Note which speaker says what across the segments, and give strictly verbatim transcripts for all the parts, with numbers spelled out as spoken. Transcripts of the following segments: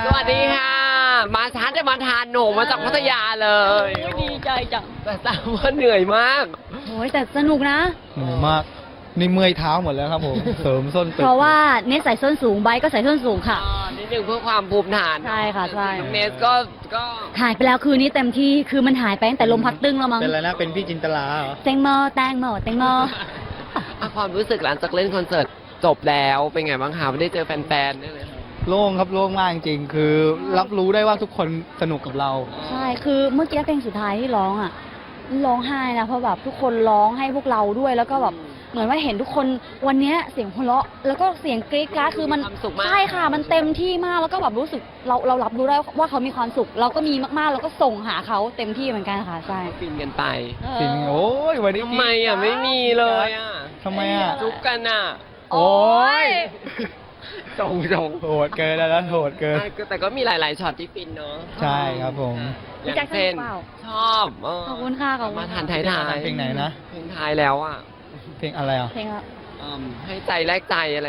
Speaker 1: วัสดีค่ะ มาช้าแต่มาทานหนูมาจากพัทยาเลย
Speaker 2: ดีใจจัง
Speaker 1: แต่ทราบว่าเหนื่อยมาก
Speaker 2: โอ้ยแต่สนุกนะ
Speaker 3: เหนื่อยมากนี่เมื่อยเท้าหมดแล้วครับผม เสริมส้นตึก
Speaker 2: เพราะว่าเนสใส่ส้นสูงไบร์ทก็ใส่ส้นสูงค่ะ
Speaker 1: อ่านิดนึงเพื่อความภูมิฐาน
Speaker 2: ใช่ค่ะใช่
Speaker 1: น้องเนสก็ก็
Speaker 2: หายไปแล้วคืนนี้เต็มที่คือมันหายไปตั้งแต่ลมพัดตึ้งแล้วมั้ง
Speaker 3: เป็นอะไรนะ เป็นพี่จินตลาเหรอ
Speaker 2: แตงโมแตงโมแตงโม
Speaker 1: อ่ะความรู้สึกหลังจากเล่นคอนเสิร์ตจบแล้วเป็นไงบ้างคะไม่ได้เจอแฟนๆได้เลย
Speaker 3: โล่งครับโล่งมากจริงๆคือรับรู้ได้ว่าทุกคนสนุกกับเรา
Speaker 2: ใช่คือเมื่อกี้เพลงสุดท้ายที่ร้องอ่ะร้องไห้นะเพราะแบบทุกคนร้องให้พวกเราด้วยแล้วก็แบบเหมือนว่าเห็นทุกคนวันเนี้ยเสียงหัวเราะแล้วก็เสียงกรี๊ดกราดคือมัน
Speaker 1: ความสุขมาก
Speaker 2: ใช่ค่ะมันเต็มที่มากแล้วก็แบบรู้สึกเราเรารับรู้ได้ว่าเขามีความสุข เราก็มีมากๆเราก็ส่งหาเขาเต็มที่เหมือนกันค่ะใช่
Speaker 1: ฟินกันไป
Speaker 3: จริงโอ้ยวันนี้
Speaker 1: ทำไมอ่ะไม่มีเลยอ่ะ
Speaker 3: ทำไมอ่ะ
Speaker 1: จุ๊บกันอ่ะ
Speaker 3: โอ้ย
Speaker 1: จงจง
Speaker 3: โหดเกินแล้วนะโหดเกิน
Speaker 1: แต่ก็มีหลาย ๆช็อตที่ฟินเนาะ
Speaker 3: ใช่ครับผม
Speaker 1: อย่างเช่น
Speaker 2: พี่แจ็คสนุกเปล่า
Speaker 1: ชอบเ
Speaker 2: ขอบคุณค่ะขอบคุณ
Speaker 1: มาทานไทยทาย
Speaker 3: เพลงไหนนะ
Speaker 1: เพลงไทายแล้วอ่ะ
Speaker 3: เพลงอะไรอ่ะ
Speaker 2: เพลงอะ
Speaker 1: อืมให้ใจแลกใจอะไร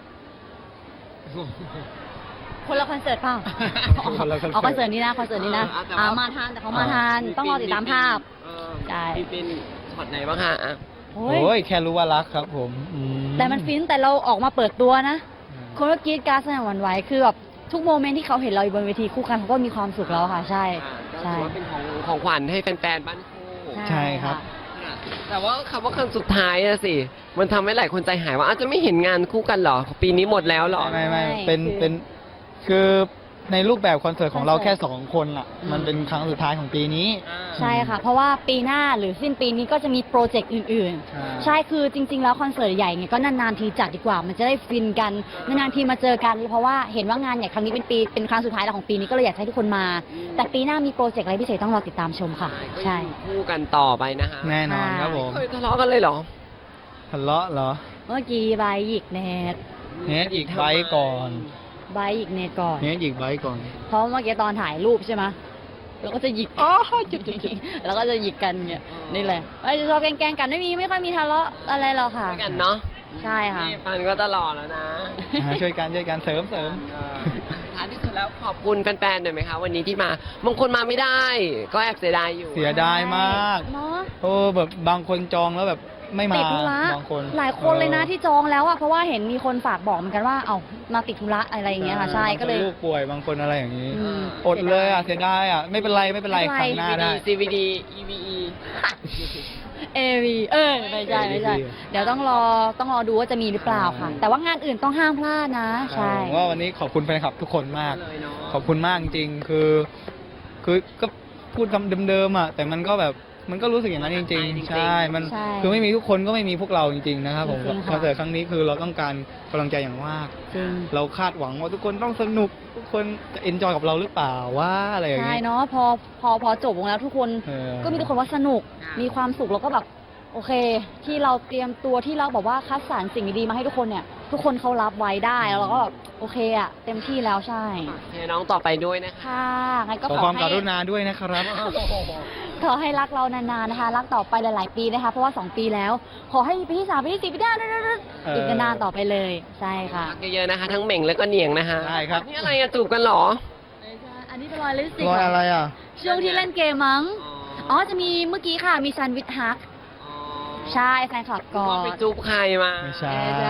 Speaker 2: คนละคอนเสิร์ตเปล่า
Speaker 3: คนละคอนเสิร์ต
Speaker 2: เอาคอนเสิร์ตนี้นะคอนเสิร์ตนี้นะ
Speaker 1: เออแต่ว่า
Speaker 2: อ่ามาทานแต่เขามาทานต้องรอติดตามภาพ
Speaker 1: เออ
Speaker 2: ใช่
Speaker 1: พี่ฟินช็อตไหนบ้างคะอ่ะ
Speaker 2: โอ้
Speaker 3: โอ้
Speaker 2: ย
Speaker 3: ยแค่รู้ว่ารักครับผมอื
Speaker 2: แต่มันฟินแต่เราออกมาเปิดตัวนะ คนก็กรีดกราร์ดสนั่นหวั่นไหวคือแบบทุกโมเมนต์ที่เขาเห็นเราอยู่บนเวทีคู่กันเขาก็มีความสุขแล้วค่ะ ใช่
Speaker 1: อ่าก็
Speaker 2: ใช่
Speaker 1: ถือว่าเป็นของของขวัญให้แฟนๆบ้านคู่
Speaker 3: ใช่ครับ
Speaker 1: ค่ะแต่ว่าคำว่าคำสุดท้ายอะสิ มันทำให้หลายคนใจหายว่าอาจจะไม่เห็นงานคู่กันเหรอ ปีนี้หมดแล้วเหรอ
Speaker 3: ไม่ไม่
Speaker 2: ไม่
Speaker 3: เป็น
Speaker 2: คือ
Speaker 3: เป็นคือในรูปแบบคอนเสิร์ตของเรา
Speaker 2: คอนเสิ
Speaker 3: แค่
Speaker 2: ร์ต
Speaker 3: สองคนอ่ะ
Speaker 1: อืม
Speaker 3: มันเป็นครั้งสุดท้ายของปีนี้
Speaker 2: ใช่ค่ะ เพราะว่าปีหน้าหรือสิ้นปีนี้ก็จะมีโปรเจกต์อื่น
Speaker 3: ใช่
Speaker 2: ๆ ใช่คือจริง ๆ แล้วคอนเสิร์ตใหญ่เนี่ยก็นานๆทีจัดดีกว่า มันจะได้ฟินกันนานๆทีมาเจอกัน เพราะว่าเห็นว่างานใหญ่ครั้งนี้เป็นปีเป็นครั้งสุดท้ายแล้วของปีนี้ก็เลยอยากให้ทุกคนมา แต่ปีหน้ามีโปรเจกต์อะไรพิเศษต้องรอติดตามชมค่ะ
Speaker 1: ก็
Speaker 2: ใช่
Speaker 1: อยู่คู่กันต่อไปนะคะ
Speaker 3: แน่นอนครับผม
Speaker 1: เคยทะเลาะกันเลยเหรอ
Speaker 3: ทะเลาะเหรอ
Speaker 2: เมื่อกี้ใบหยิกเนต
Speaker 3: เนทอีกไบค์ก่อน
Speaker 2: ใบหยิกเนตก่อน
Speaker 3: เนทอีกไบค์ก่อน
Speaker 2: เพราะเมื่อกี้ตอนถ่ายรูปใช่ไหมเราก็จะหยิกอ๋อจุดๆๆแล้วก็จะหยิกกันเนี่ยนี่แหละไม่จะชอบแกล้งๆกันไม่มีไม่ค่อยมีทะเลาะอะไรหรอกค่ะ
Speaker 1: ด้วยกันเนาะ
Speaker 2: ใช่ค่ะ
Speaker 1: นี่ฟันก็ตลอดแล้วนะ
Speaker 3: อ่าช่วยกันช่วยกันเสริมเสริม
Speaker 1: เออท้ายที่สุดแล้วขอบคุณแฟนๆหน่อยไหมคะ วันนี้ที่มาบางคนมาไม่ได้ ก็แอบเสียดายอยู่
Speaker 3: เสียดายมาก
Speaker 2: เนาะ
Speaker 3: โอ้แบบบางคนจองแล้วแบบไม่มา
Speaker 2: ติดธุระ
Speaker 3: บางคน
Speaker 2: หลายคนเลยนะ
Speaker 3: ออ
Speaker 2: ที่จองแล้วอะเพราะว่าเห็นมีคนฝากบอกเหมือนกันว่า เอ้ามาติดธุระอะไรอย่างเงี้ยค่ะ ใช่ก็เลย
Speaker 3: บางคนลูกป่วยบางคนอะไรอย่างนี้
Speaker 2: อืม
Speaker 3: อดเลยอ่ะเสียดายอ่ะไม่เป็นไรไม่เป็นไร
Speaker 2: ไม่
Speaker 3: ค
Speaker 2: เป็นไร
Speaker 3: รั้งหน้าได้
Speaker 1: ซี วี ดี อี วี อี
Speaker 2: เอวีเออไม่ใช่ไม่ใช่
Speaker 3: เอวี
Speaker 2: เดี๋ยวต้องรอต้องรอดูว่าจะมีหรือเปล่าค่ะ แต่ว่างานอื่นต้องห้ามพลาดนะ ใช่
Speaker 3: ผมว่าวันนี้ขอบคุณแฟนคลับทุกคนมาก
Speaker 1: เลยเนาะ
Speaker 3: ขอบคุณมากจริงๆคือ คือก็พูดคำเดิมๆอ่ะแต่มันก็แบบมันก็รู้สึกอย่างนั้นจริง ๆ ใช่มัน
Speaker 2: ใช่
Speaker 3: คือไม่มีทุกคนก็ไม่มีพวกเราจริงๆนะครับผม
Speaker 2: จริงๆค่ะ
Speaker 3: คอนเสิร์ตครั้งนี้คือเราต้องการกำลังใจอย่างมาก
Speaker 2: จริง
Speaker 3: เราคาดหวังว่าทุกคนต้องสนุกทุกคนจะเอนจอยกับเราหรือเปล่าว่าอะไรอย่าง
Speaker 2: ใช่
Speaker 3: นี้
Speaker 2: เนาะพอพอพอจบวงแล้วทุกคน
Speaker 3: เออ
Speaker 2: ก็มีทุกคนว่าสนุกมีความสุขแล้วก็แบบโอเค ที่เราเตรียมตัวที่เราแบบว่าคัดสรรสิ่งดีๆมาให้ทุกคนเนี่ย ทุกคนเขารับไว้ได้แล้วเราก็แบบโอเคอะเต็มที่แล้วใช่
Speaker 1: เชิญน้องต่อไปด้วยนะคะ
Speaker 2: ค่ะงั้นก็
Speaker 3: ขอ
Speaker 2: ขอ
Speaker 3: ความก
Speaker 2: ให้
Speaker 3: รุณาด้วยนะครับ
Speaker 2: ขอให้รักเรานานๆนะคะ รักต่อไปหลายๆปีนะคะ เพราะว่าสองปีแล้ว ขอให้ปีที่สามปีที่สี่ปีที่ห้า
Speaker 3: เอออี
Speaker 2: อีกนานๆต่อไปเลย ใช่ค่ะ
Speaker 1: รักเยอะๆนะคะ ทั้งเหม่งแล้วก็เหนียงนะคะ
Speaker 3: ใช่ครับ
Speaker 1: นี่อะไรอะจูบกันเหรอ
Speaker 2: ไม่ใช่อันนี้เป็นรอยลิปสติก
Speaker 3: รอยอะไรอ่ะ
Speaker 2: ช่วงที่เล่นเกมมั้ง อ๋อ จะมีเมื่อกี้ค่ะ มีซันวิทฮัก ใช่แฟนคลับก่อ
Speaker 1: ก็ไป
Speaker 2: น
Speaker 1: จูบใครมา
Speaker 3: ไม่ใช่
Speaker 2: ใช่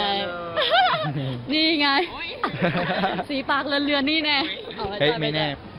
Speaker 2: นี่ไง สีปากเลือนๆนี่แน่อา
Speaker 3: เฮ้ย
Speaker 2: ใช่
Speaker 3: ไม่แน่
Speaker 2: ใช่